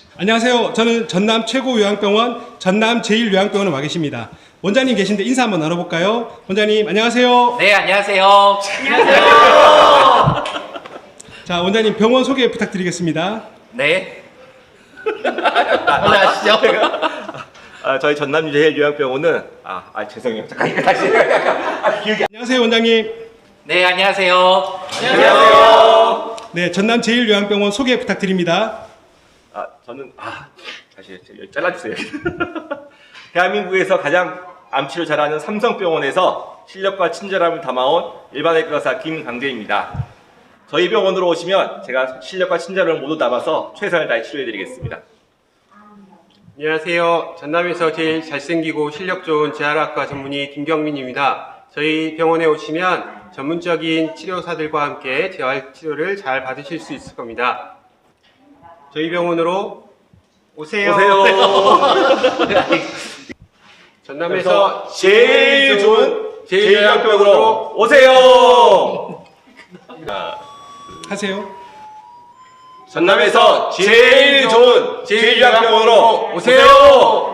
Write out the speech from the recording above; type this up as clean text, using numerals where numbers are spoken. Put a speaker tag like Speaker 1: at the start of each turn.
Speaker 1: 안녕하세요. 저는 전남 최고 요양병원 전남 제1요양병원에 와 계십니다. 원장님 계신데 인사 한번 나눠볼까요? 원장님 안녕하세요.
Speaker 2: 네, 안녕하세요.
Speaker 1: 자, 원장님 병원 소개 부탁드리겠습니다.
Speaker 2: 네. 안녕하시죠.
Speaker 3: 저희 전남 제1요양병원은 죄송해요. 잠깐 이거 다시 기억이
Speaker 1: 안녕하세요, 원장님.
Speaker 2: 네, 안녕하세요.
Speaker 3: 안녕하세요.
Speaker 1: 네, 전남 제1요양병원 소개 부탁드립니다.
Speaker 3: 저는 다시 잘라주세요. 대한민국에서 가장 암치료 잘하는 삼성병원에서 실력과 친절함을 담아온 일반외과 의사 김강재입니다. 저희 병원으로 오시면 제가 실력과 친절을 모두 담아서 최선을 다해 치료해드리겠습니다.
Speaker 4: 안녕하세요. 전남에서 제일 잘생기고 실력 좋은 재활학과 전문의 김경민입니다. 저희 병원에 오시면 전문적인 치료사들과 함께 재활 치료를 잘 받으실 수 있을 겁니다. 저희 병원으로 오세요. 전남에서
Speaker 3: 제일 좋은 제1요양병원으로 오세요.
Speaker 1: 하세요.
Speaker 3: 전남에서 제일 좋은 제1요양병원으로 오세요.